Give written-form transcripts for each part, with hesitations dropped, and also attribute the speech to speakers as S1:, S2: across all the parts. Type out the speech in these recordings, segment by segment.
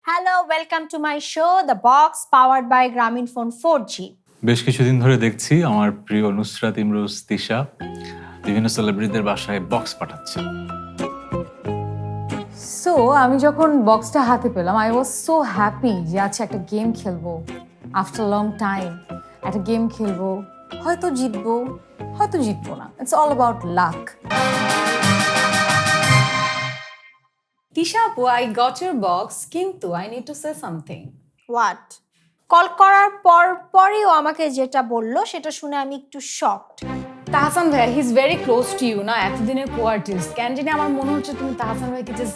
S1: Hello, welcome to my show the box powered by Grameenphone 4G।
S2: বেশ কিছুদিন ধরে দেখছি আমার প্রিয় নুসরাত ইমরোজ তিশা বিভিন্ন সেলিব্রিটিদের বাসায় বক্স পাঠাচ্ছে।
S3: সো আমি যখন বক্সটা হাতে পেলাম আই ওয়াজ সো হ্যাপি যে আচ্ছা একটা গেম খেলবো আফটার লং টাইম। একটা গেম খেলবো, হয়তো জিতবো হয়তো জিতবো না, it's all about luck. Tisha Apu, I got your box, কিন্তু I need to say something.
S1: What? Call করার পরই ও আমাকে যেটা বললো সেটা শুনে আমি একটু শকড।
S3: তাহসান ভাই, he is very close to you না, এতদিনের কো-আর্টিস্ট। কেন জানি আমার মনে হচ্ছে তুমি তাহসান ভাইকে জাস্ট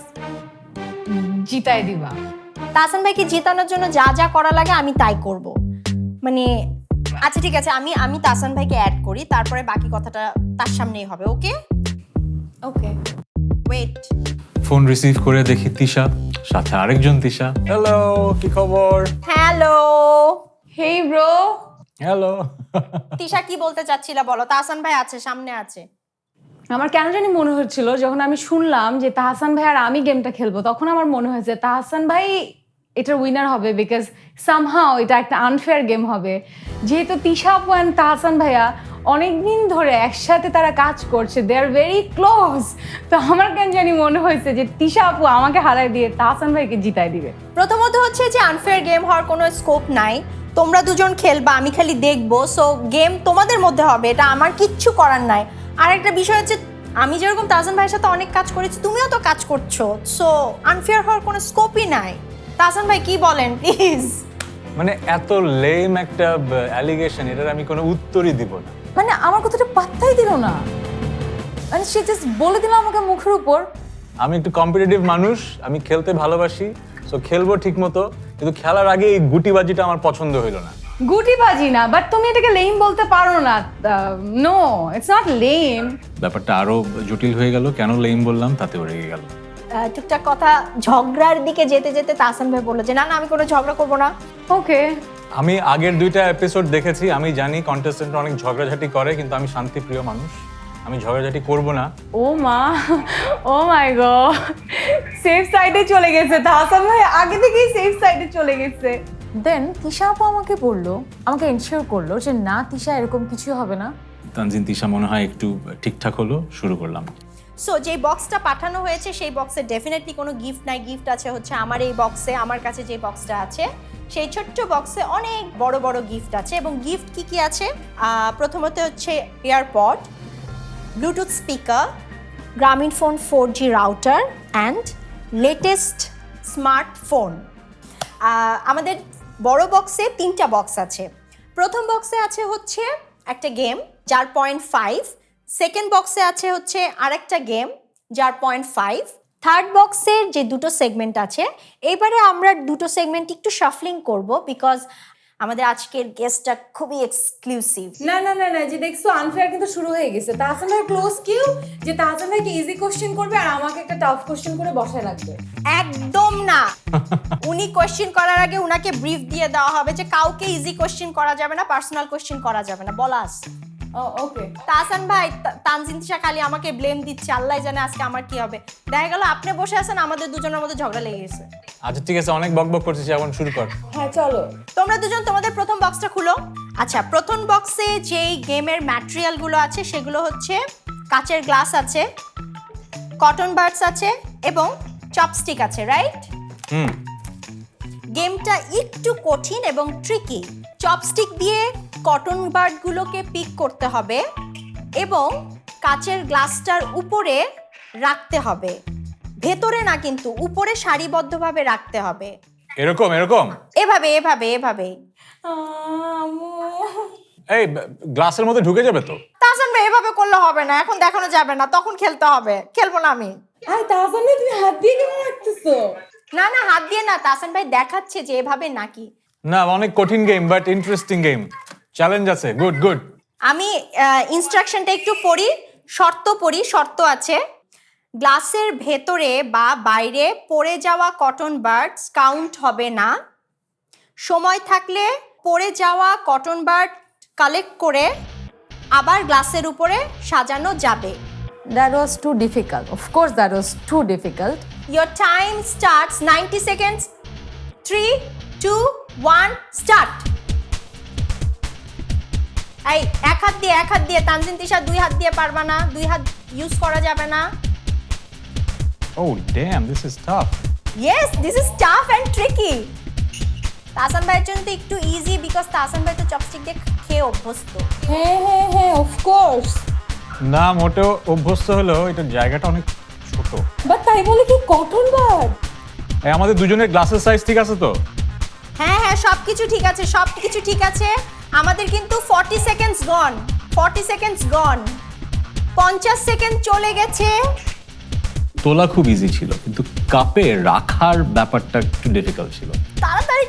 S3: জিতাই দিবা।
S1: তাহসান ভাইকে জেতানোর জন্য যা যা করা লাগে আমি তাই করব। মানে আচ্ছা ঠিক আছে, আমি তাহসান ভাইকে অ্যাড করি, তারপরে বাকি কথাটা তার সামনেই হবে। Okay
S3: okay,
S1: wait.
S2: Phone receive করে দেখি তিশা, সাথে আরেকজন তিশা। হ্যালো, কি খবর?
S1: Hello
S3: hey bro.
S2: Hello.
S1: Tisha, কি বলতে চাচ্ছিলা বলো? তাহসান ভাই আছে, সামনে আছে।
S3: আমার কেন জানি মনে হচ্ছিল যখন আমি শুনলাম যে তাহসান ভাই আর আমি গেমটা খেলবো, তখন আমার মনে হয়েছে তাহসান ভাই এটার উইনার হবে, বিকজ সামহাও এটা একটা আনফেয়ার গেম হবে। যেহেতু তিশা আপু অ্যান্ড তাহসান ভাইয়া অনেকদিন ধরে একসাথে তারা কাজ করছে, দে আর ভেরি ক্লোজ। তো আমার কেন জানি মনে হয়েছে যে তিশা আপু আমাকে হারাই দিয়ে তাহসান ভাইকে জিতাই দিবে।
S1: প্রথমত হচ্ছে যে আনফেয়ার গেম হওয়ার কোনো স্কোপ নাই। তোমরা দুজন খেলবা, আমি খালি দেখবো। সো গেম তোমাদের মধ্যে হবে, এটা আমার কিচ্ছু করার নাই। আর একটা বিষয় হচ্ছে, আমি যেরকম তাহসান ভাইয়ের সাথে অনেক কাজ করেছি, তুমিও তো কাজ করছো। সো আনফেয়ার হওয়ার কোনো স্কোপই নাই। তাহসান ভাই কি বলেন প্লিজ?
S2: মানে এত লেম একটা অ্যালিগেশন, এটার আমি কোনো উত্তরই দিব না।
S3: মানে আমার কথাটা পাত্তাই দিল না, মানে সে জাস্ট বলে দিল আমাকে মুখের উপর।
S2: আমি একটু কম্পিটিটিভ মানুষ, আমি খেলতে ভালোবাসি, সো খেলবো ঠিক মতো, কিন্তু খেলার আগে এই গুটিবাজিটা আমার পছন্দ হইলো না।
S3: গুটিবাজি না, বাট তুমি এটাকে লেম বলতে পারো না। No, it's not lame.
S2: ব্যাপারটা আরো জটিল হয়ে গেল, কেন লেম বললাম তাতেও রেগে গেল।
S1: টুকটাক কথা ঝগড়ার দিকে যেতে যেতে তাহসান ভাই বললো যে না না, আমি কোনো ঝগড়া করবো না।
S3: ওকে,
S2: আমি আগের 2টা এপিসোড দেখেছি, আমি জানি কন্টেস্টেন্ট অনেক ঝগড়াঝাটি করে, কিন্তু আমি শান্তিপ্রিয় মানুষ, আমি ঝগড়াঝাটি করব না।
S3: ও মা, ও মাই গড, সেফ সাইডে চলে গেছে তাহসান ভাই, আগে থেকেই সেফ সাইডে চলে গেছে। দেন তিশা আপু আমাকে বললো, আমাকে এনশিওর করলো যে না তিশা এরকম কিছু হবে না।
S2: তানজিন তিশা মনে হয় একটু ঠিকঠাক হলো, শুরু করলাম।
S1: সো যে বক্সটা পাঠানো হয়েছে সেই বক্সে ডেফিনেটলি কোনো গিফট নাই। গিফট আছে হচ্ছে আমার এই বক্সে, আমার কাছে যে বক্সটা আছে সেই ছোট্ট বক্সে অনেক বড় বড় গিফট আছে। এবং গিফট কি কি আছে? প্রথমত হচ্ছে airpod, bluetooth speaker, Grameenphone 4G router and latest smartphone. আমাদের বড় বক্সে 3টা বক্স আছে। প্রথম বক্সে আছে হচ্ছে একটা গেম যার 0.5, সেকেন্ড বক্সে আছে হচ্ছে আরেকটা গেম যার 0.5, থার্ড বক্সের যে 2টো সেগমেন্ট আছে, এইবারে আমরা 2টো সেগমেন্ট একটু শাফলিং করব বিকজ আমাদের আজকের গেস্টটা খুবই এক্সক্লুসিভ।
S3: না না না না, যে দেখছো আনফেয়ার কিন্তু শুরু হয়ে গেছে। তাহসান ভাই ক্লোজ কিউ যে তাহসান ভাইকে ইজি কোশ্চেন করবে আর আমাকে একটা টাফ কোশ্চেন করে বসায় রাখবে।
S1: একদম না, উনি কোশ্চেন করার আগে উনাকে ব্রিফ দিয়ে দেওয়া হবে যে কাউকে ইজি কোশ্চেন করা যাবে না, পার্সোনাল কোশ্চেন করা যাবে না, বলাস।
S3: ওকে
S1: তাহসান ভাই, তানজিন তিশা খালি আমাকে ব্লেম দিচ্ছে, আল্লাহ জানে আজকে আমার কি হবে। দেখা গেল আপনি বসে আছেন, আমাদের দুজনের মধ্যে ঝগড়া লেগে গেছে।
S2: আচ্ছা ঠিক আছে, অনেক বকবক করতেছি, এখন শুরু কর।
S3: হ্যাঁ চলো।
S1: তোমরা দুজন তোমাদের প্রথম বক্সটা খুলো। আচ্ছা, প্রথম বক্সে যেই গেমের ম্যাটেরিয়ালগুলো আছে সেগুলো হচ্ছে কাচের গ্লাস আছে, কটন বাডস আছে এবং চপস্টিক আছে, রাইট? গেমটা একটু কঠিন এবং ট্রিকি। চপস্টিক দিয়ে কটন বাডগুলোকে পিক করতে হবে এবং কাচের গ্লাসটার উপরে রাখতে হবে, ভেতরে না কিন্তু উপরে সারিবদ্ধভাবে রাখতে হবে।
S2: এরকম এরকম
S1: এভাবে এভাবে এভাবে।
S2: এই গ্লাসের মধ্যে ঢুকে যাবে তো?
S1: তাহসান ভাই, এভাবে করলে হবে না, এখন দেখানো যাবে না, তখন খেলতে হবে। খেলবো না আমি।
S3: আরে তাহসান ভাই তুমি হাত দিয়ে কেন রাখতেছো?
S1: না না, হাত দিয়ে না, তাহসান ভাই দেখাচ্ছে যে এভাবে নাকি।
S2: না, অনেক কঠিন game but interesting game, challenge আছে। Good good.
S1: আমি ইনস্ট্রাকশনটা একটু পড়ি, শর্ত আছে। গ্লাসের ভেতরে বা বাইরে পড়ে যাওয়া কটন বাডস কাউন্ট হবে না। সময় থাকলে পড়ে যাওয়া কটন বাড কালেক্ট করে আবার গ্লাসের উপরে সাজানো যাবে।
S3: That was too difficult. Of course that was too difficult.
S1: Your time starts 90 seconds 3 2 1 start. এই এক হাত দিয়ে তানজিন তিশা দুই হাত দিয়ে পারবা না, দুই হাত ইউজ করা যাবে না।
S2: Oh damn, this is tough.
S1: Yes, this is tough and tricky. Tahsan ভাইয়ের জন্য তো একটু ইজি, বিকজ তাহসান ভাই তো চপস্টিক দিয়ে খেয়ে অভ্যস্ত।
S3: হ্যাঁ অফ কোর্স।
S2: না মোটেও অভ্যস্ত হলেও এটার জায়গাটা অনেক ছোট।
S3: বাট তাই বলে কি কটন বাড?
S2: আমাদের দুজনের গ্লাসের সাইজ ঠিক আছে তো?
S1: হ্যাঁ সবকিছু ঠিক আছে, সবকিছু ঠিক আছে। আমাদের কিন্তু 40 seconds gone, 40 seconds gone, 50 second চলে গেছে।
S2: তোলা খুব ইজি ছিল, কিন্তু কাপে রাখার ব্যাপারটা একটু ডিফিকাল্ট ছিল।
S1: তাড়াতাড়ি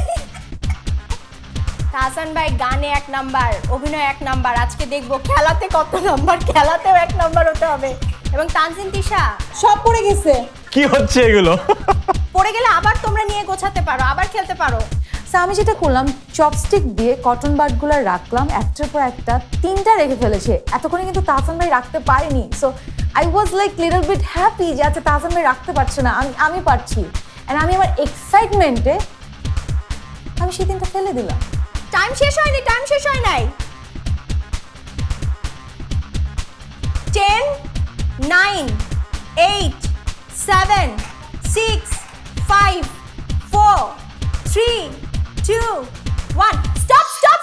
S1: তাহসান ভাই গানে 1 নাম্বার, অভিনয় 1 নাম্বার। আজকে দেখবো খেলাতে কত নাম্বার, খেলাতেও 1 নাম্বার হতে হবে। এবং তানজিন তিশা
S3: সব পড়ে গেছে।
S2: কি হচ্ছে এগুলো?
S1: পড়ে গেলে আবার তোমরা নিয়ে গোছাতে পারো, আবার খেলতে পারো।
S3: সো আমি যেটা করলাম, চপস্টিক দিয়ে কটন বাডগুলো রাখলাম, একটার পর একটা 3টা রেখে ফেলেছে। এতক্ষণে কিন্তু তাহসান ভাই রাখতে পারেনি। So I was like little bit happy যে আচ্ছা তাহসান ভাই রাখতে পারছে না, আমি পারছি। অ্যান্ড আমি আমার এক্সাইটমেন্টে আমি সেই 3টা ফেলে দিলাম।
S1: টাইম শেষ হয়নি, টাইম শেষ হয় নাই। 10 9 8 7 6 5 4 3 2 1 স্টপ।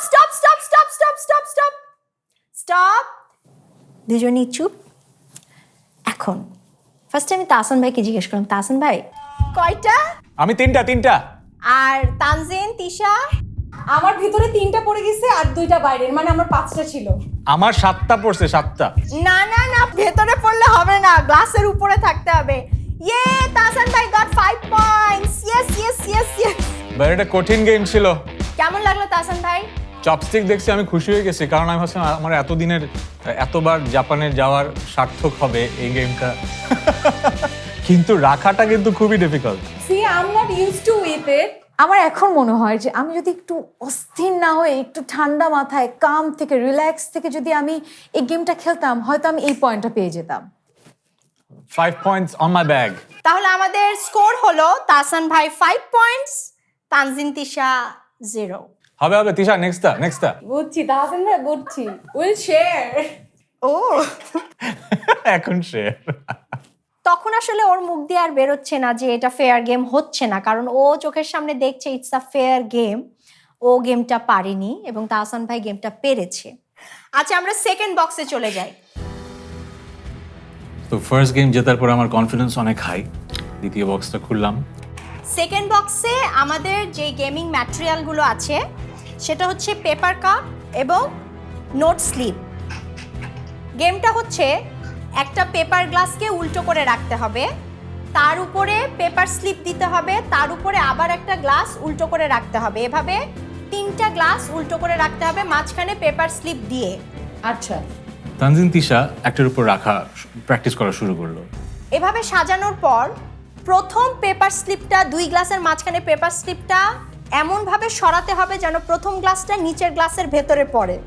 S1: দুজনেই চুপ। এখন ফার্স্টে আমি তাহসান ভাইকে জিজ্ঞেস করলাম, তাহসান ভাই কয়টা?
S2: আমি তিনটা।
S1: আর তানজিন তিশা?
S3: আমার ভিতরে 3টা পড়ে গেছে আর 2টা বাইরের, মানে আমার 5টা ছিল।
S2: আমার 7টা পড়ছে, 7টা।
S1: না ভেতরে পড়লে হবে না, গ্লাসের উপরে থাকতে হবে। তাহসান ভাই গট 5 পয়েন্টস। ইয়েস।
S2: বাট এটা কঠিন গেম ছিল।
S1: কেমন লাগলো তাহসান ভাই?
S2: চপস্টিক দেখছি আমি খুশি হয়ে গেছি, কারণ আমি ভাবছিলাম আমার এতদিনের এতবার জাপানে যাওয়ার সার্থক হবে এই গেমটা। কিন্তু রাখাটা কিন্তু খুবই difficult.
S3: See I am not used to with it. আমার এখন মনে হয় যে আমি যদি একটু অস্থির না হয়ে একটু ঠান্ডা মাথায় কাম থেকে রিল্যাক্স থেকে যদি আমি এই গেমটা খেলতাম, হয়তো আমি এই পয়েন্টটা পেয়ে যেতাম।
S2: 5 পয়েন্টস অন মাই ব্যাগ।
S1: তাহলে আমাদের স্কোর হলো তাহসান ভাই 5 পয়েন্টস, তানজিন তিশা 0।
S2: হবে তিশা, নেক্সটটা।
S3: বুঝছি তাহসান ভাই, বুঝছি। Will share.
S1: ও
S2: এখন শেয়ার।
S1: তখন আসলে ওর মুখ দিয়ে আর বেরোচ্ছে না যে এটা ফেয়ার গেম হচ্ছে না, কারণ ও চোখের সামনে দেখছে ইটস আ ফেয়ার গেম। ও গেমটা পারেনি এবং তাহসান ভাই গেমটা পেরেছে। আচ্ছা আমরা সেকেন্ড বক্সে চলে যাই।
S2: তো ফার্স্ট গেম জেতার পর আমার কনফিডেন্স অনেক হাই। দ্বিতীয় বক্সটা খুললাম।
S1: সেকেন্ড বক্সে আমাদের যে গেমিং ম্যাটেরিয়ালগুলো আছে সেটা হচ্ছে পেপার কাপ এবং নোট স্লিপ। গেমটা হচ্ছে একটা পেপার গ্লাসকে উল্টো করে রাখতে হবে, তার উপরে পেপার স্লিপ দিতে হবে, তার উপরে আবার একটা গ্লাস উল্টো করে রাখতে হবে। এভাবে 3টা গ্লাস উল্টো করে রাখতে হবে, মাঝখানে পেপার স্লিপ দিয়ে।
S3: আচ্ছা।
S2: তানজিন তিশা একটার উপর রাখা প্র্যাকটিস করা শুরু করলো।
S1: এভাবে সাজানোর পর প্রথম পেপার স্লিপটা, 2 গ্লাসের মাঝখানে পেপার স্লিপটা এমনভাবে সরাতে হবে যেন প্রথম গ্লাসটা নিচের গ্লাসের ভেতরে পড়ে,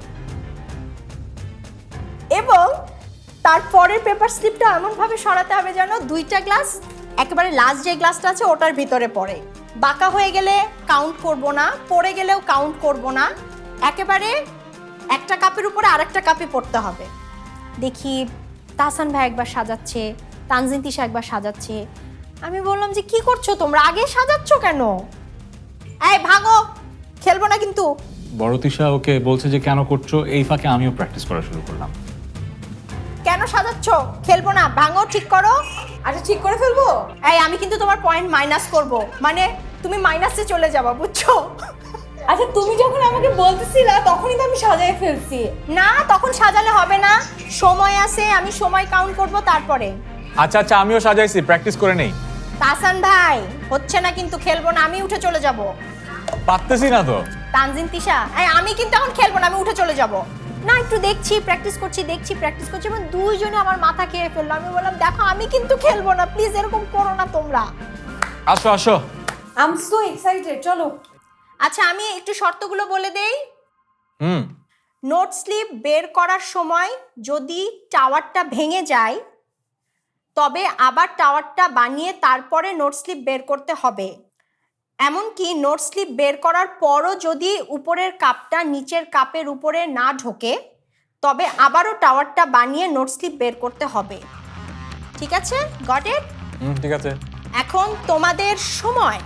S1: এবং তারপরের পেপার স্লিপটা এমনভাবে সরাতে হবে যেন 2টা গ্লাস একেবারে লাস্ট যে গ্লাসটা আছে ওটার ভিতরে পড়ে। বাঁকা হয়ে গেলে কাউন্ট করব না, পড়ে গেলেও কাউন্ট করব না, একেবারে একটা কাপের উপরে আরেকটা কাপে পড়তে হবে। দেখি তাহসান ভাই একবার সাজাচ্ছে, তানজিন তিশা একবার সাজাচ্ছে। আমি বললাম যে কি করছো তোমরা, আগে সাজাচ্ছ কেন? এই ভাগো, খেলবো না কিন্তু।
S2: বড় তিশা ওকে বলছে যে কেন করছো, এই ফাঁকে আমিও প্র্যাকটিস করা শুরু করলাম।
S1: কেন সাজাচ্ছ? খেলবো না, ভাঙো, ঠিক করো।
S3: আচ্ছা ঠিক করে ফেলবো।
S1: এই আমি কিন্তু তোমার পয়েন্ট মাইনাস করব, মানে তুমি মাইনাসে চলে যাবা, বুঝছো?
S3: আচ্ছা তুমি যখন আমাকে বলতেছিলা তখনই তো আমি সাজায় ফেলছি।
S1: না তখন সাজালে হবে না, সময় আছে, আমি সময় কাউন্ট করব তারপরে।
S2: আচ্ছা আমিও সাজাইছি, প্র্যাকটিস করে নেই।
S1: তাহসান ভাই হচ্ছে না কিন্তু, খেলবো না, আমি উঠে চলে যাব।
S2: পারতেছি না তো।
S1: তানজিন তিশা আমি কিন্তু এখন খেলবো না, আমি উঠে চলে যাব। না একটু দেখছি, প্র্যাকটিস করছি এবং দুইজনে আমার মাথা খেয়ে ফেললো। আমি বললাম দেখো আমি কিন্তু খেলবো না, প্লিজ এরকম করো না তোমরা।
S2: আসো।
S3: আই এম সো এক্সাইটেড, চলো।
S1: আচ্ছা আমি একটু শর্তগুলো বলে দেই।
S2: হুম।
S1: নোট স্লিপ বের করার সময় যদি টাওয়ারটা ভেঙে যায় তবে আবার টাওয়ারটা বানিয়ে তারপরে নোট স্লিপ বের করতে হবে। এমনকি নোট স্লিপ বের করার পরও যদি উপরের কাপটা নিচের কাপের উপরে না ঢোকে তবে আবারও টাওয়ারটা বানিয়ে নোট স্লিপ বের করতে হবে। ঠিক আছে, গট ইট?
S2: ঠিক আছে।
S1: এখন তোমাদের সময়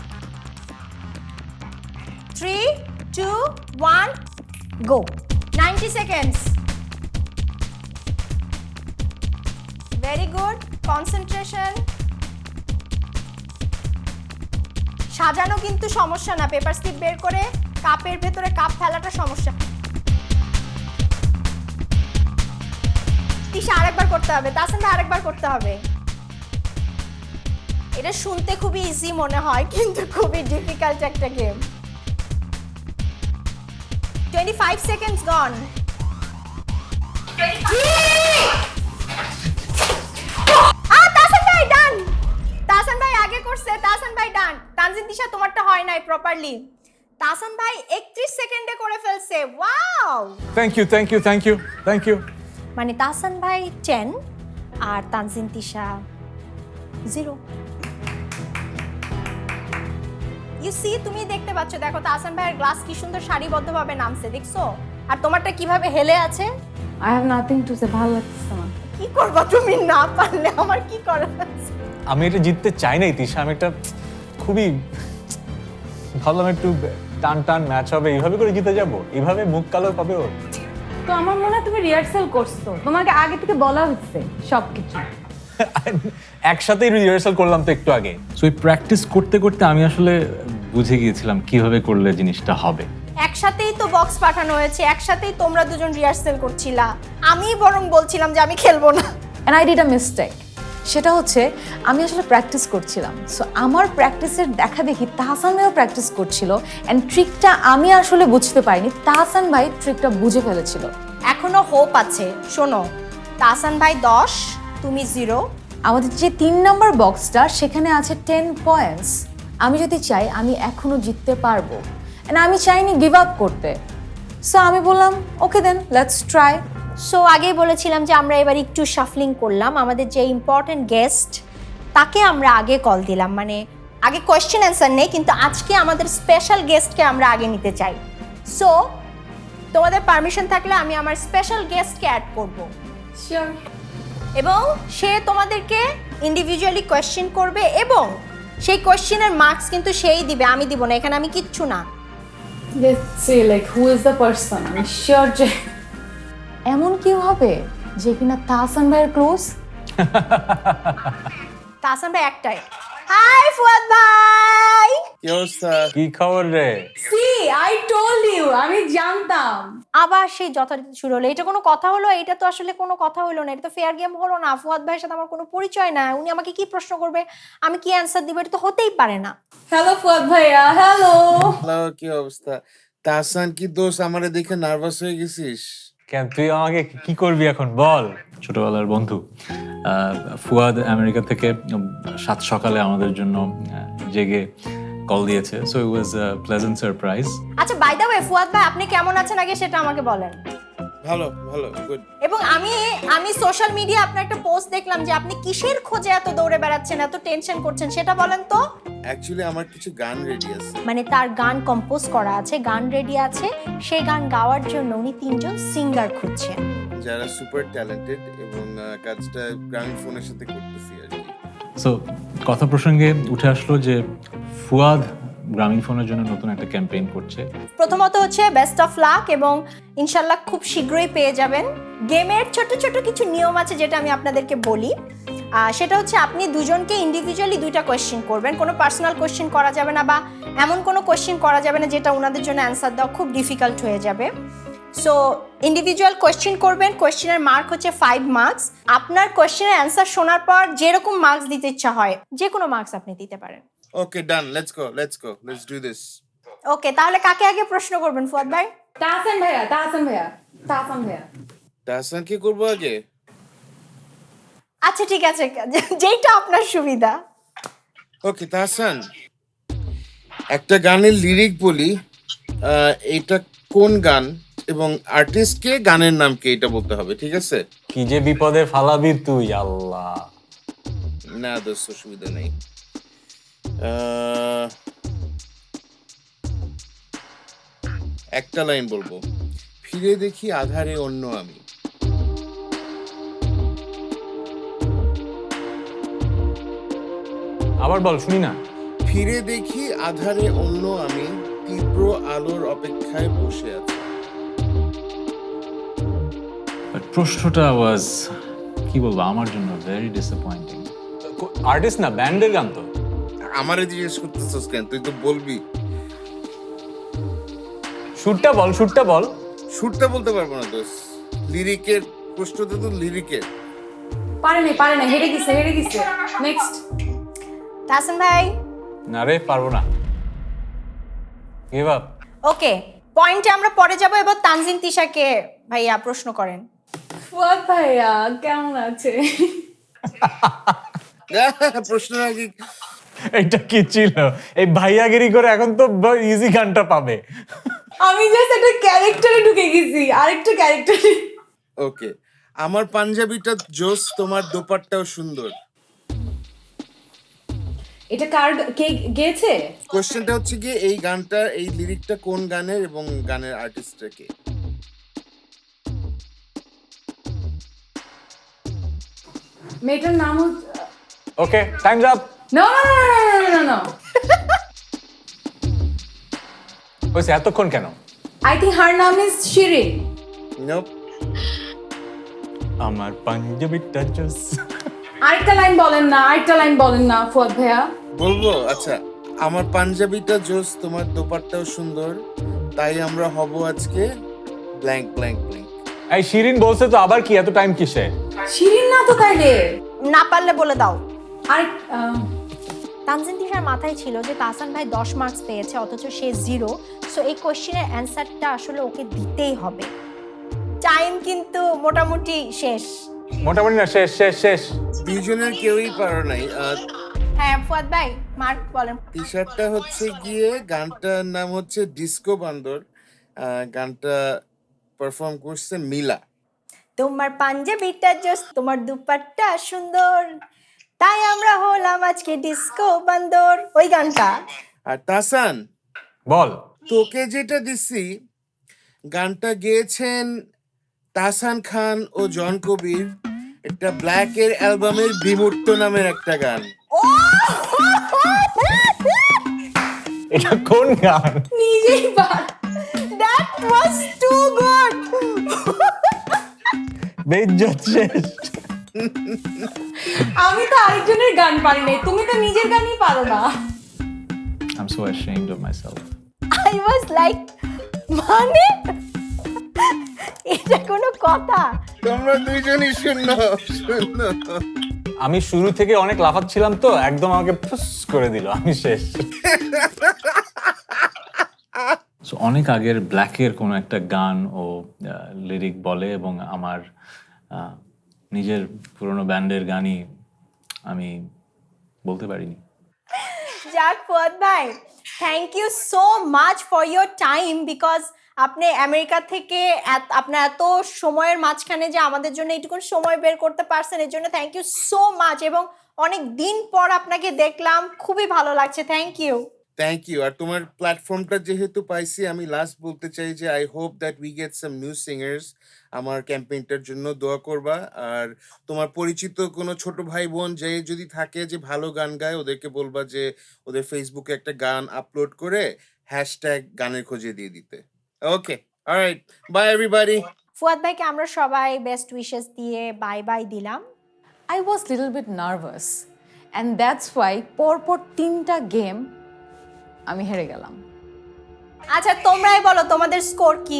S1: 3, 2, 1 go. 90 seconds. Very good, concentration. সাজানো কিন্তু সমস্যা না, পেপার স্লিপ বের করে কাপের ভেতরে কাপ ফেলাটা সমস্যা। তিশা আরেকবার করতে হবে, তাহসান ভাই আরেকবার করতে হবে। এটা শুনতে খুবই ইজি মনে হয় কিন্তু খুবই ডিফিকাল্ট একটা গেম। 25 seconds gone. তাহসান ভাই ডান। তাহসান ভাই আগে করছে, তাহসান ভাই ডান। তানজিন তিশা তোমারটা হয় নাই প্রপারলি। তাহসান ভাই 31 সেকেন্ডে করে ফেলছে। Wow,
S2: thank you.
S1: মানে তাহসান ভাই 10 আর তানজিন তিশা 0। ইউ সি, তুমি দেখতে পাচ্ছ, দেখো তাহসান ভাইয়ের গ্লাস কি সুন্দর সারিবদ্ধভাবে নামছে, দেখছো? আর তোমারটা কিভাবে হেলে আছে।
S3: I have nothing to say, ভালো লাগছে না।
S1: কি করবা তুমি না পারলে, আমার কি করার আছে?
S2: আমি এটা জিততে চাই নাই তিশা, আমি একটা খুবই ভাবলাম একটু টান ম্যাচ হবে, এইভাবে করে জিতে যাব, এইভাবে মুখ কালো পাবে ওর।
S3: তো আমার মনে হয় তুমি রিহার্সাল করছো, তোমাকে আগে থেকে বলা হচ্ছে সবকিছু।
S2: একসাথেই রিহার্সাল করলাম তো একটু আগে। সো এই প্র্যাকটিস করতে করতে আমি আসলে বুঝে গিয়েছিলাম কিভাবে করলে জিনিসটা হবে।
S1: একসাথেই তো বক্স পাঠানো হয়েছে, একসাথেই তোমরা দুজন রিহার্সাল করছিলা, আমি বরং বলছিলাম যে আমি খেলবো না।
S4: And I did a mistake. সেটা হচ্ছে আমি আসলে প্র্যাকটিস করছিলাম, সো আমার প্র্যাকটিসের দেখা দেখি তাহসান ভাইও প্র্যাকটিস করছিল, অ্যান্ড ট্রিকটা আমি আসলে বুঝতে পারিনি, তাহসান ভাই ট্রিকটা বুঝে ফেলেছিল।
S1: এখনো হোপ আছে। শোনো, তাহসান ভাই 10, তুমি 0।
S4: আমাদের যে 3 নাম্বার বক্সটা সেখানে আছে 10 পয়েন্টস। আমি যদি চাই আমি এখনো জিততে পারবো, অ্যান্ড আমি চাইনি গিভ আপ করতে। সো আমি বললাম okay then let's try.
S1: So আগেই বলেছিলাম যে আমরা এবার একটু শাফলিং করলাম, আমাদের যে ইম্পর্টেন্ট গেস্ট তাকে আমরা আগে কল দিলাম, মানে আগে কোয়েশ্চেন অ্যান্সার নেই, কিন্তু আজকে আমাদের স্পেশাল গেস্টকে আমরা আগে নিতে চাই। সো তোমাদের পারমিশন থাকলে আমি আমার স্পেশাল গেস্টকে অ্যাড করব,
S3: শিওর।
S1: এবং সে তোমাদেরকে ইন্ডিভিজুয়ালি কোয়েশ্চেন করবে এবং সেই কোয়েশ্চেনের মার্কস কিন্তু সেই দিবে, আমি দিব না, এখানে আমি কিচ্ছু না।
S3: Let's see like who is the person. আমি শিওর যে
S4: এমন কি হবে যে কিনা তাহসান ভাইয়ের ক্লোজ।
S1: তাহসান ভাই একটাই। হাই ফুয়াদ ভাই,
S5: কি অবস্থা?
S2: কি খবর রে?
S3: সি আই টোল্ড ইউ, আমি জানতাম।
S1: আবার সেই যথারীতি শুরু হলো। এটা কোনো কথা হলো? এটা তো আসলে কোনো কথা হলো না, এটা তো ফেয়ার গেম হলো না। ফুয়াদ ভাইয়ের সাথে আমার কোনো পরিচয় না, উনি আমাকে কি প্রশ্ন করবে, আমি কি অ্যান্সার দিব, এটা তো হতেই পারে না।
S3: হ্যালো ফুয়াদ ভাইয়া, হ্যালো।
S5: হ্যালো, কি অবস্থা? তাহসান, কি দোষ? আমারে দেখে নার্ভাস হয়ে গেছিস?
S2: কেন তুই আমাকে কি করবি এখন বল? ছোটবেলার বন্ধু ফুয়াদ আমেরিকা থেকে 7 সকালে আমাদের জন্য জেগে কল দিয়েছে, so it was a pleasant surprise.
S1: আচ্ছা, বাই দ্য ওয়ে ফুয়াদ ভাই আপনি কেমন আছেন আগে সেটা আমাকে বলেন।
S5: ভালো, গুড।
S1: এবং আমি সোশ্যাল মিডিয়া আপনার একটা পোস্ট দেখলাম যে আপনি কিসের খোঁজে এত দৌড়ে বেড়াচ্ছেন, এত টেনশন করছেন, সেটা বলেন তো।
S5: অ্যাকচুয়ালি আমার কিছু গান রেডি আছে।
S1: মানে তার গান কম্পোজ করা আছে, গান রেডি আছে, সেই গান গাওয়ার জন্য উনি 3 জন সিঙ্গার খুঁজছেন
S5: যারা সুপার ট্যালেন্টেড, এবং কাজটা গ্রামীণ ফোনের সাথে করতেছি আর কি।
S2: সো কথা প্রসঙ্গে উঠে আসলো যে ফুয়াদ গ্রামীণ ফোনের জন্য নতুন একটা ক্যাম্পেইন করছে।
S1: প্রথমত হচ্ছে বেস্ট অফ লাক, এবং ইনশাল্লাহ খুব শীঘ্রই পেয়ে যাবেন। গেমের ছোট ছোট কিছু নিয়ম আছে যেটা আমি আপনাদেরকে বলি। সেটা হচ্ছে আপনি দুজনকে ইন্ডিভিজুয়ালি 2টা কোয়েশ্চেন করবেন, কোনো পার্সোনাল কোয়েশ্চেন করা যাবে না, বা এমন কোনো কোয়েশ্চেন করা যাবে না যেটা ওনাদের জন্য অ্যান্সার দেওয়া খুব ডিফিকাল্ট হয়ে যাবে। সো ইন্ডিভিজুয়াল কোয়েশ্চেন করবেন, কোয়েশ্চেনের মার্ক হচ্ছে 5 মার্কস। আপনার কোয়েশ্চেনের অ্যান্সার শোনার পর যেরকম মার্কস দিতে ইচ্ছা হয় যে কোনো মার্কস আপনি দিতে পারেন।
S5: Okay, done, let's go, let's do this.
S1: Okay, তাহলে কাকে আগে প্রশ্ন করবেন ফুয়াদ ভাই?
S3: তাহসান ভাইয়া, তাহসান ভাইয়া, তাহসান ভাইয়া।
S5: তাহসান কি করবো আগে?
S1: আচ্ছা ঠিক আছে, যেইটা আপনার সুবিধা।
S5: ওকে তাহসান, একটা গানের লিরিক বলি, এটা কোন গান এবং আর্টিস্ট কে, গানের নাম কি, এটা বলতে হবে, ঠিক আছে?
S2: কি যে বিপদে ফালাবি তুই, আল্লাহ।
S5: না দোস্ত, সুবিধা নেই। একটা লাইন বলবো, ফিরে দেখি আধারে অন্য আমি।
S2: আবার বল, শুনি না।
S5: ফিরে দেখি আধারে অন্য আমি, তীব্র আলোর অপেক্ষায় বসে আছি।
S2: বাট প্রশ্নটা ওয়াজ, কি বলবো, আমার জন্য ভেরি ডিসঅ্যাপয়েন্টিং। আর্টিস্ট না, ব্যান্ডের গান তো।
S5: আমারে জিজ্ঞেস করতেছস কেন? তুই তো বলবি।
S2: সুরটা বল, সুরটা বল।
S5: সুরটা বলতে পারবো না দোস্ত, লিরিকের প্রশ্নটা তো লিরিকের।
S3: পারে না, হেরে গেছে নেক্সট।
S1: তাহসান ভাই
S2: না রে, পারবো না, গিভ আপ।
S1: ওকে, পয়েন্টে আমরা পরে যাব। এবার তানজিন তিশাকে ভাইয়া প্রশ্ন করেন।
S3: ফুয়াদ ভাইয়া কেমন আছে?
S5: প্রশ্ন নাকি?
S2: এটা কি ছিল? এই ভাইয়াগিরি করে এখন তো ইজি গানটা পাবে।
S3: আমি জাস্ট একটা ক্যারেক্টারে ঢুকে গেছি, আরেকটা ক্যারেক্টারে।
S5: ওকে, আমার পাঞ্জাবিটা জোস, তোমার দোপাট্টাও সুন্দর।
S3: এটা কার, কে গেয়েছে?
S5: কোশ্চেনটা হচ্ছে গিয়ে এই গানটা, এই লিরিকটা কোন গানের এবং গানের আর্টিস্টটা কে?
S3: মেয়েটার নাম হচ্ছে,
S2: ওকে, টাইমস আপ।
S3: না
S2: হয়েছে, এতক্ষণ কেন?
S3: আই থিঙ্ক হার নাম ইজ শিরিন।
S5: নোপ।
S2: আমার পাঞ্জাবিটা জোস।
S3: আরেকটা লাইন বলেন না ফুয়াদ ভাইয়া।
S5: বলবো? আচ্ছা, আমার পাঞ্জাবিটা জোস, তোমার দোপাট্টাও সুন্দর, তাই আমরা হব আজকে ব্ল্যাঙ্ক ব্ল্যাঙ্ক ব্ল্যাঙ্ক।
S2: এই শিরিন বলছে তো, আবার কি এত টাইম কিসে?
S3: শিরিন না তো তাইলে।
S1: না পারলে বলে দাও।
S3: আরেক
S1: তানজিন তিশার মাথায় ছিল যে তাহসান ভাই 10 মার্কস পেয়েছে অথচ সে 0, সো এই কোশ্চেনের অ্যান্সারটা আসলে ওকে দিতেই হবে। টাইম কিন্তু মোটামুটি শেষ।
S2: মোটামুটি না, শেষ।
S5: দুইজনের কেউই পারো নাই।
S1: হ্যাঁ ফুয়াদ ভাই, মার্ক বলেন।
S5: টি শার্টটা হচ্ছে গিয়ে, গানটার নাম হচ্ছে ডিস্কো বান্দর। গানটা পারফর্ম করছে মিলা।
S1: তোমার পাঞ্জাবিটা জোস, তোমার দুপাট্টা সুন্দর, তাই আমরা হলাম আজকে ডিস্কো বান্দর, ওই গানটা।
S5: আর তাহসান,
S2: বল।
S5: তোকে যেটা দিছি, গানটা গেয়েছেন তাহসান খান ও জন কবির। একটা ব্ল্যাকের অ্যালবামের বিমূর্ত নামের একটা গান।
S2: এটা কোন গান?
S3: নিজেই পার।
S1: That was too good.
S2: বেইজ্জত শেষ।
S3: আমি তো আরেকজনের গান পারি নাই, তুমি তো নিজের গানই পারো না।
S2: I'm so ashamed of myself.
S1: I was like, মানে এটা কোনো কথা?
S5: তোমরা দুইজনই শূন্য।
S2: আমি শুরু থেকে অনেক লাফাচ্ছিলাম তো, একদম আমাকে ফুস করে দিল, আমি শেষ। So, অনেক আগের ব্ল্যাকের কোনো একটা গান ও লিরিক বলে, এবং আমার নিজের পুরনো ব্যান্ডের গানই আমি বলতে পারিনি।
S1: যাক ফুয়াদ ভাই, thank you so much for your time, because আপনি আমেরিকা থেকে আপনার এত সময়ের মাঝখানে যে আমাদের জন্য এইটুকু সময় বের করতে পারছেন, এর জন্য থ্যাংক ইউ সো মাচ। এবং অনেক দিন পর আপনাকে দেখলাম, খুবই ভালো লাগছে, থ্যাংক ইউ।
S5: Thank you. আর তোমার প্ল্যাটফর্মটা যেহেতু পাইছি, আমি লাস্ট বলতে চাই যে I hope that we get some new singers. আমার ক্যাম্পেইনটার জন্য দোয়া করবা। আর তোমার পরিচিত কোনো ছোট ভাই বোন যে যদি থাকে যে ভালো গান গায়, ওদেরকে বলবা যে ওদের ফেসবুকে একটা গান আপলোড করে হ্যাশট্যাগ গানের খোঁজে দিয়ে দিতে। Okay, alright, bye everybody.
S1: Fuad ভাইকে আমরা সবাই বেস্ট উইশেস দিয়ে বাই বাই দিলাম।
S4: I was little bit nervous and that's why পরপর 3টা গেম আমি হেরে গেলাম।
S1: আচ্ছা তোমরাই বলো তোমাদের স্কোর কি?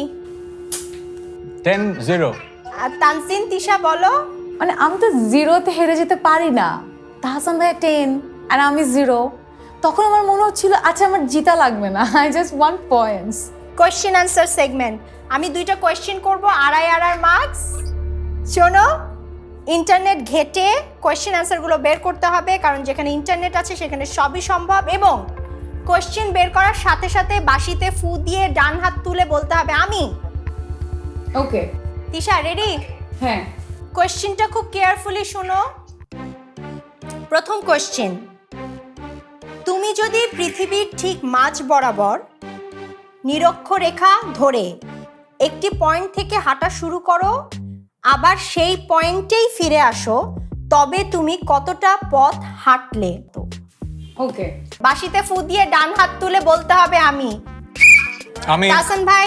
S2: 10-0।
S1: আর তানজিন তিশা বলো।
S4: মানে আমি তো 0তে হেরে যেতে পারি না। তাহসান ভাই 10 আর আমি 0। তখন আমার মনে হচ্ছিল আচ্ছা আমার জিতা লাগবে না, I just want points.
S1: Question answer segment, আমি 2টা কোয়েশ্চেন করবো, আড়াই মার্কস। শোনো, ইন্টারনেট ঘেটে কোয়েশ্চেন আনসারগুলো বের করতে হবে, কারণ যেখানে ইন্টারনেট আছে সেখানে সবই সম্ভব। এবং কোয়েশ্চেন বের করার সাথে সাথে বাঁশিতে ফু দিয়ে ডান হাত তুলে বলতে হবে আমি।
S3: Okay
S1: Tisha ready?
S3: হ্যাঁ।
S1: কোয়েশ্চেনটা খুব কেয়ারফুলি শোনো। প্রথম কোয়েশ্চেন, তুমি যদি পৃথিবীর ঠিক মাঝ বরাবর নিরক্ষরেখা ধরে একটি পয়েন্ট থেকে হাঁটা শুরু করো, আবার সেই পয়েন্টেই ফিরে আসো, তবে তুমি কতটা পথ হাঁটলে? তো
S3: ওকে,
S1: বাঁশিতে ফু দিয়ে ডান হাত তুলে বলতে হবে আমি। তাহসান ভাই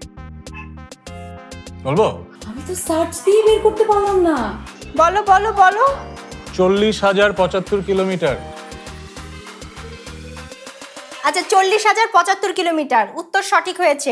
S2: বলবো?
S3: আমি তো সার্চ দিয়ে বের করতে পারলাম না।
S1: বলো বলো বলো।
S2: 40,075 কিলোমিটার।
S1: আচ্ছা 40,075 কিলোমিটার উত্তর সঠিক হয়েছে।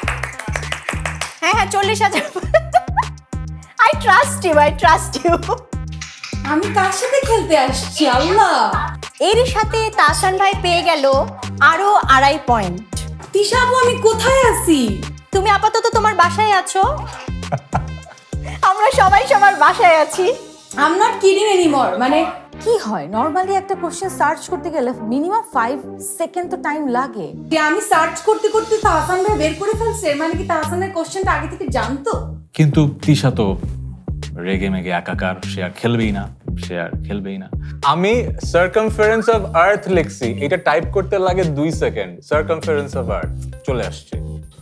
S1: হ্যাঁ 40,000। I trust you.
S3: আমি কার সাথে খেলতে আসছি আল্লাহ?
S1: এরই সাথে তাহসান ভাই পেয়ে গেল আরো 2.5 পয়েন্ট।
S3: তিশা আপু, আমি কোথায় আছি?
S1: তুমি আপাতত তোমার বাসায় আছো, আমরা সবাই সবার বাসায় আছি।
S3: I am not kidding anymore. মানে
S4: কি হয় নর্মালি একটা কোশ্চেন সার্চ করতে গেলে মিনিমাম 5 সেকেন্ড তো টাইম লাগে।
S3: যে আমি সার্চ করতে করতে তাহসান ভাই বের করে ফেলছে, মানে কি তাহসানের কোশ্চেনটা আগে থেকে জানতো?
S2: কিন্তু তিশা তো রেগে মেগে একাকার, সে আর খেলবেই না। আমি সার্কামফারেন্স অফ আর্থ লিখছি, এটা টাইপ করতে লাগে 2 সেকেন্ড। সার্কামফারেন্স অফ আর্থ চলে আসছে।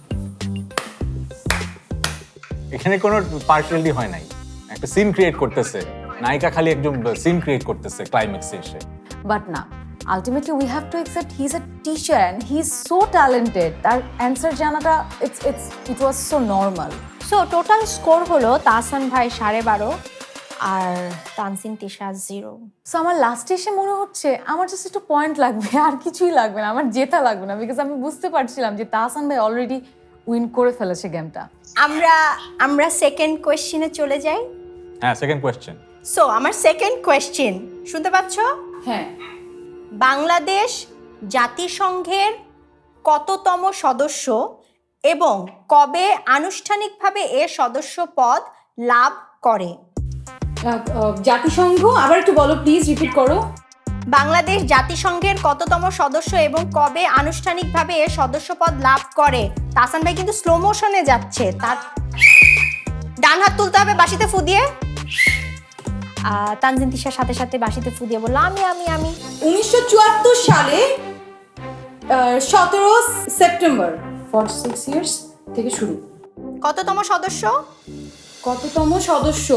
S2: এখানে কোনো পার্সিয়ালিটি হয় নাই, একটা সিন ক্রিয়েট করতেছে নায়িকা, খালি একজন সিন ক্রিয়েট করতেছে ক্লাইম্যাক্সে এসে।
S4: বাট না, ultimately we have to accept he is a teacher and he is so talented. তার অ্যান্সার জানাটা it was so normal.
S1: So total score হলো তাহসান ভাই 12.5 আর তানসিন তিশা 0।
S4: সো আমার লাস্টে এসে মনে হচ্ছে আমার জাস্ট একটু পয়েন্ট লাগবে, আর কিছুই লাগবে না, আমার জেতা লাগবে না, বিকজ আমি বুঝতে পারছিলাম যে তাহসান ভাই অলরেডি উইন করে ফেলেছে গেমটা।
S1: আমরা সেকেন্ড কোয়েশ্চেনে চলে যাই।
S2: হ্যাঁ, সেকেন্ড কোয়েশ্চেন।
S1: সো আমার সেকেন্ড কোয়েশ্চেন শুনতে পাচ্ছ?
S3: হ্যাঁ।
S1: বাংলাদেশ জাতিসংঘের কততম সদস্য এবং কবে আনুষ্ঠানিকভাবে এ সদস্য পদ লাভ করে?
S3: জাতিসংঘ, আবার একটু বলো প্লিজ, রিপিট করো।
S1: বাংলাদেশ জাতিসংঘের কততম সদস্য এবং কবে আনুষ্ঠানিকভাবে এ সদস্য পদ লাভ করে? তাহসান ভাই কিন্তু স্লো মোশনে যাচ্ছে, তার ডান হাত তুলতে হবে বাঁশিতে ফু দিয়ে। তানজিন তিশার সাথে সাথে বাঁশিতে ফু দিয়ে বললো আমি
S3: 1974 সালে 17 সেপ্টেম্বর, 46 ইয়ার্স থেকে শুরু।
S1: কততম সদস্য?
S3: কততম সদস্য?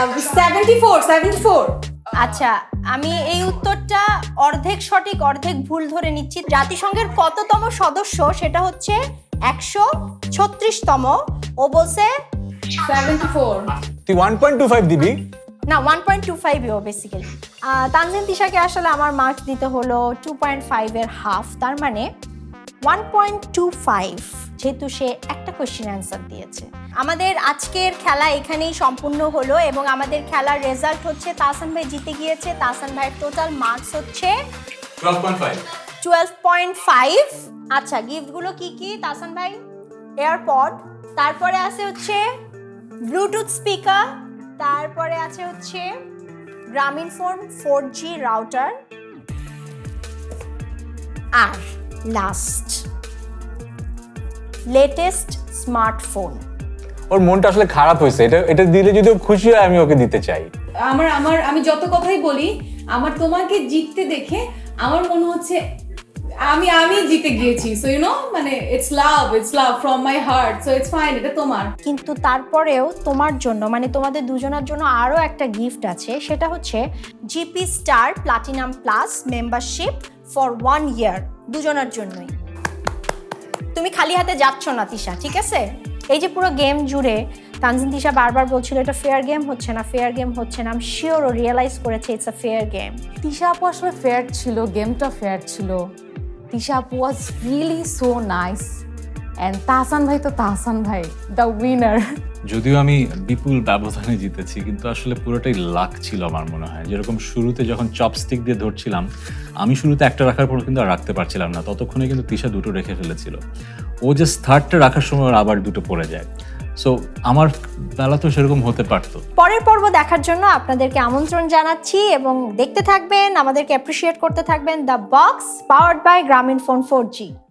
S3: 74।
S1: আচ্ছা, আমি এই উত্তরটা অর্ধেক সঠিক অর্ধেক ভুল ধরে নিচ্ছি। জাতিসংঘের কততম সদস্য সেটা হচ্ছে 136তম। ও বলছে
S3: 74।
S2: তুই 1.25 দিবি
S1: না, 1.25 ও বেসিক্যালি। তানজিন তিশাকে আসলে আমার মার্কস দিতে হলো 2.5 এর হাফ, তার মানে 1.25, যেহেতু সে একটা কোয়েশ্চেন অ্যান্সার দিয়েছে। আমাদের আজকের খেলা এখানেই সম্পূর্ণ হলো এবং আমাদের খেলার রেজাল্ট হচ্ছে তাহসান ভাই জিতে গিয়েছে। তাহসান ভাইয়ের টোটাল মার্কস হচ্ছে 12.5। আচ্ছা, গিফটগুলো কি কি তাহসান ভাই? এয়ারপড, তারপরে আছে হচ্ছে ব্লুটুথ স্পিকার, তারপরে আছে হচ্ছে গ্রামীণফোন 4G রাউটার, আর লাস্ট লেটেস্ট স্মার্টফোন।
S2: ওর মনটা আসলে খারাপ হয়েছে, এটা দিলে যদি ও খুশি হয় আমি ওকে দিতে চাই।
S3: আমি যত কথাই বলি, আমার তোমাকে জিততে দেখে আমার মনে হচ্ছে আমি জিতে গিয়েছি। সো ইউ নো, মানে it's love from my heart, so it's fine, এটা তোমার।
S1: কিন্তু তারপরেও তোমার জন্য, মানে তোমাদের দুজনের জন্য আরও একটা গিফট আছে, সেটা হচ্ছে GP star platinum plus membership for 1 year, দুজনের জন্যই। তুমি খালি হাতে যাচ্ছ না তিশা, ঠিক আছে? এই যে পুরো গেম জুড়ে তানজিন তিশা বারবার বলছিল এটা ফেয়ার গেম হচ্ছে না। আমি শিওর ও রিয়েলাইজ করেছে it's a fair game.
S4: Tisha আপু আসলে ফেয়ার ছিল, গেমটা ফেয়ার ছিল। তিশা আপু was really so nice and Tahsan ভাই তো তাহসান ভাই, দ্য উইনার।
S2: যদিও আমি বিপুল ব্যবধানে জিতেছি, কিন্তু আসলে পুরোটাই লাক ছিল আমার মনে হয়। যেরকম শুরুতে যখন চপস্টিক দিয়ে ধরছিলাম, আমি শুরুতে একটা রাখার পর কিন্তু আর রাখতে পারছিলাম না, ততক্ষণে কিন্তু তিশা 2টো রেখে ফেলেছিল। ও যে থার্ডটা রাখার সময় ওর আবার 2টো পড়ে যায়। সো আমার বেলা তো সেরকম হতে পারতো।
S1: পরের পর্ব দেখার জন্য আপনাদেরকে আমন্ত্রণ জানাচ্ছি এবং দেখতে থাকবেন, আমাদেরকে অ্যাপ্রিসিয়েট করতে থাকবেন। The box powered by Grameenphone 4G।